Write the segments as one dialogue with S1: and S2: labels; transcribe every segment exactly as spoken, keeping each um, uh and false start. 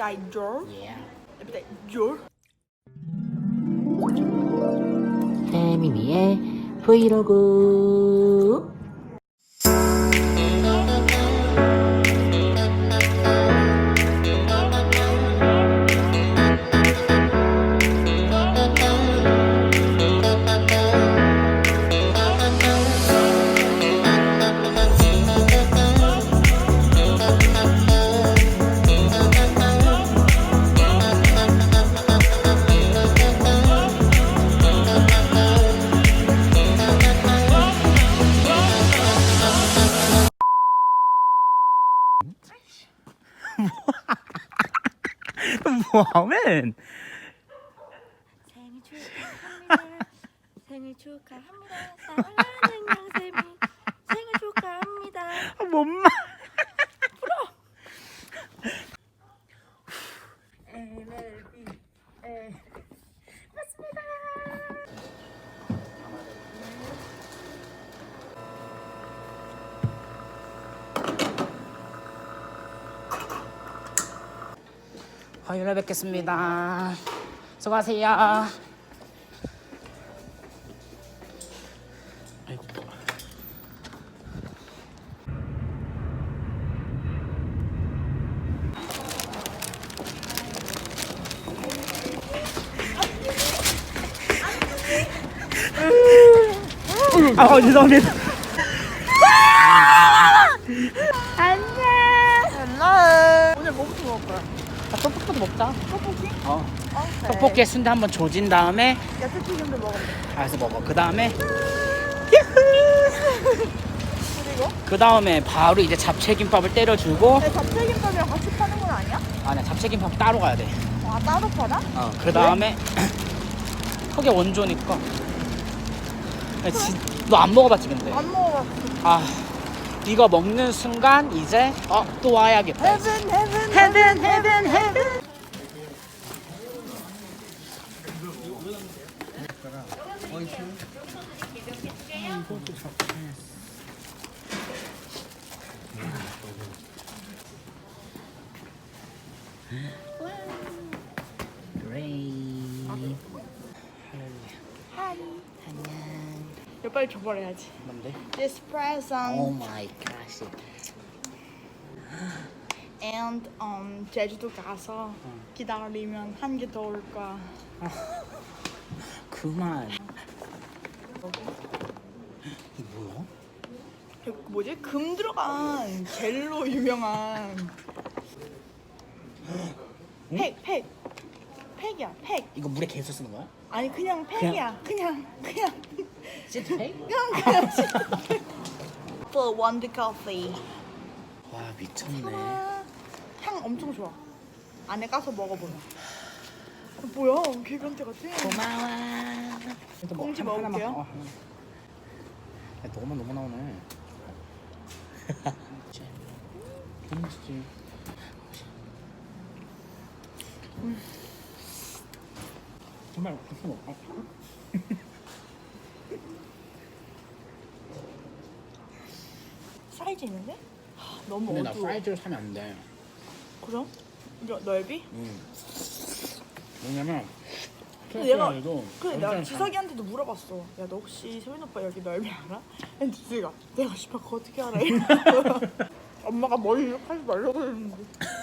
S1: appetizer.
S2: Yeah.
S1: appetizer.
S2: 태민이의 브이로그. 뭐하면?
S1: 생일 축하합니다. 생일 축하합니다. 사랑하는 양쌤이 생일 축하합니다.
S2: 뭔 말?
S1: 엠엘비 에 맞습니다.
S2: 화요일에 뵙겠습니다. 수고하세요. 아이고. 아, 죄송합니다.
S1: 안녕. 헬로. 오늘 뭐부터 먹을 거야?
S2: 아, 떡볶이도 먹자.
S1: 떡볶이?
S2: 어.
S1: 오케이.
S2: 떡볶이에 순대 한번 조진 다음에
S1: 야채튀김도 먹으면 돼.
S2: 알아서 먹어. 그 다음에
S1: 그리고?
S2: 그 다음에 바로 이제 잡채김밥을 때려주고.
S1: 내 잡채김밥이랑 같이 파는 건 아니야?
S2: 아니야, 잡채김밥 따로 가야 돼.
S1: 아 따로 팔아?
S2: 어, 그 다음에 그게 원조니까. 너 안 먹어봤지 근데?
S1: 안 먹어봤어.
S2: 아, 이거 먹는 순간 이제 어, 또 와야겠다. 이제.
S1: 헤븐 헤븐 헤븐 헤븐 헤븐.
S2: 그레이.
S1: 하이.
S2: 안녕.
S1: 이거 빨리 줘버려야지.
S2: 뭔데?
S1: This present
S2: 오 마이 갓.
S1: and um 제주도 가서 기다리면 한 개 더 올 거야.
S2: 그만. 이게 뭐야?
S1: 그 뭐지? 금 들어간 젤로 유명한 팩, 팩, 팩이야, 팩.
S2: 이거 물에 계속 쓰는 거야?
S1: 아니 그냥 팩이야, 그냥 그냥
S2: 시트팩?
S1: 그냥 그냥 For one coffee.
S2: 와, 미쳤네.
S1: 아, 향 엄청 좋아. 안에 까서 먹어보면. 어, 뭐야? 개변태 같아.
S2: 고마워.
S1: 꽁지
S2: 뭐,
S1: 먹을게요.
S2: 어, 하나만. 야, 너만 너무 나오네. 꽁지지.
S1: 음.
S2: 정말 무슨 먹어?
S1: 사이즈 있는데? 하, 너무
S2: 근데 나
S1: 어두워.
S2: 사이즈를 사면 안 돼.
S1: 그럼? 이거 넓이?
S2: 응. 왜냐면
S1: 근데 내가
S2: 해도
S1: 그래 내가 지석이한테도 물어봤어. 야 너 혹시 세민 오빠 여기 넓이 알아? 근데 지석이가 내가 씨발 그거 어떻게 알아? 이러는 거야. 엄마가 머리 이렇게 하지 말라고 했는데.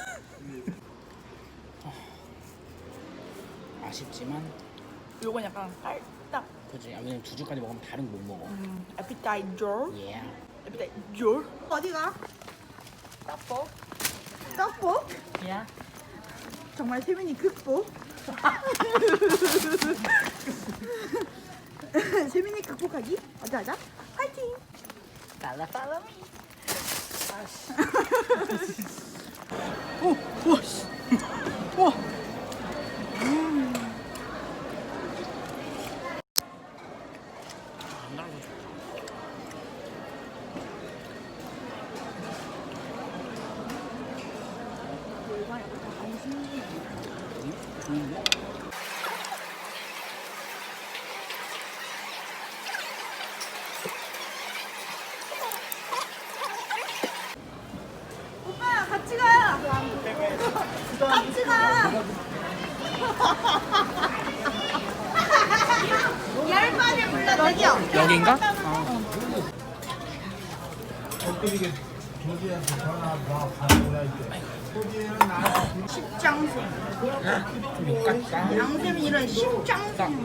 S2: 아쉽지만
S1: 요건 약간 깔딱
S2: 그지. 아, 왜냐면 두 줄까지 먹으면 다른 거 못 먹어.
S1: 음, appetizer.
S2: 예.
S1: appetizer. 어디가? 떡볶. 떡볶?
S2: 예.
S1: 정말 세민이 극복. 세민이 극복하기? 어자 하자. 파이팅.
S2: 달라 달라미.
S1: 오, 와 씨. 와. 음. 오빠 같이 가. 같이 가.
S2: 여긴가? 어.
S1: 십장생.
S2: 좀 깎아.
S1: 양쌤이 이런 십장생.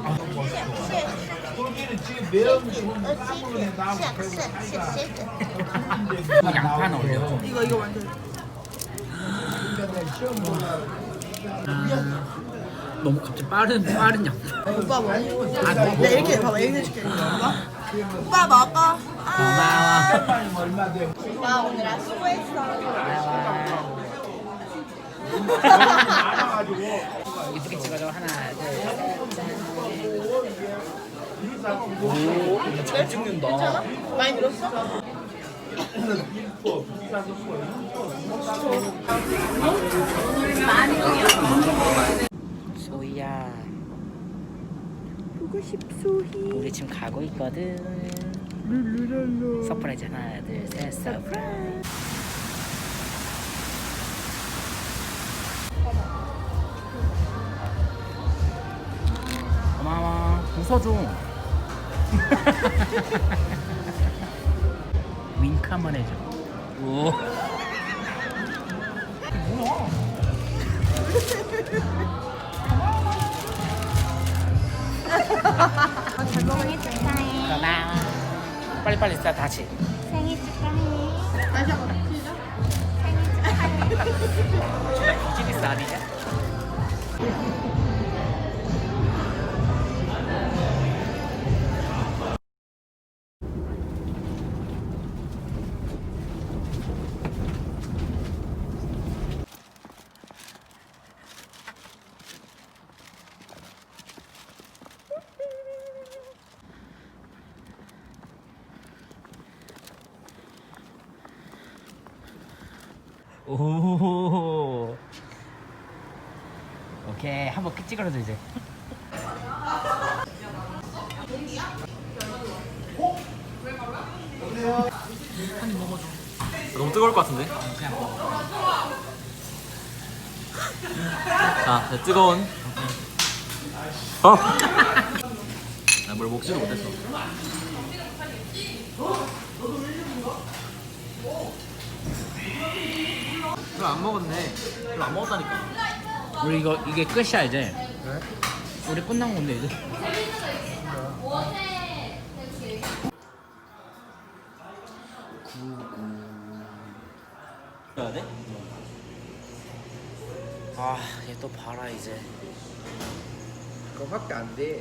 S2: 어, 양파는 올려.
S1: 이거 이거 완전.
S2: 너무 갑자기 빠른 빠른 양파.
S1: 오빠 뭐?
S2: 아,
S1: 나 이렇게 봐봐 이렇게 시켜. 오빠. 오빠 먹어.
S2: 고마워.
S1: 오빠 오늘 아 수고했어.
S2: 이쁘게 찍어줘. 하나, 둘, 셋. 오, 잘 찍는다.
S1: 괜찮아? 많이 늘었어?
S2: 소희야,
S1: 보고 싶소희.
S2: 우리 지금 가고 있거든.
S1: 룰루랄루.
S2: 서프라이즈 하나, 둘, 셋. 서프라이즈. 고마워. 웃어줘. 윙크 한번 해줘. 오.
S3: 생일 축하해.
S2: 고마워. 빨리빨리 싸 다시.
S3: 생일 축하해.
S1: 다시 한번 시작.
S2: 비즈니스 아니냐? 오. 오케이, 한번 끝 찍어줘 이제. 한입 먹어줘.
S4: 너무 뜨거울 것 같은데?
S2: 그냥 먹어.
S4: 자, 네, 뜨거운. 어? 나 뭘 먹지도 못했어. 별로 안 먹었네. 별로 안 먹었다니까.
S2: 우리 이거 이게 끝이야 이제.
S4: 그래?
S2: 우리 끝난 건데 이제.
S4: 해야 돼?
S2: 아, 얘 또 봐라 이제.
S4: 그거밖에 안 돼.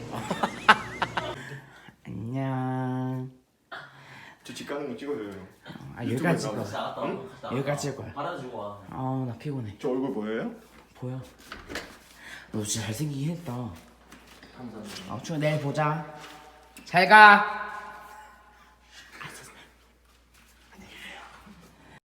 S2: 안녕.
S5: 저 집 가는 거 찍어줘요.
S2: 아 여기까지 찍어.
S4: 알았다.
S2: 응? 여기까지 찍을 거야.
S4: 받아주고 와.
S2: 아, 나 피곤해.
S5: 저 얼굴 보여요?
S2: 보여. 너 진짜 잘생기긴 했다.
S4: 감사합니다.
S2: 아, 추워 내일 보자. 잘 가.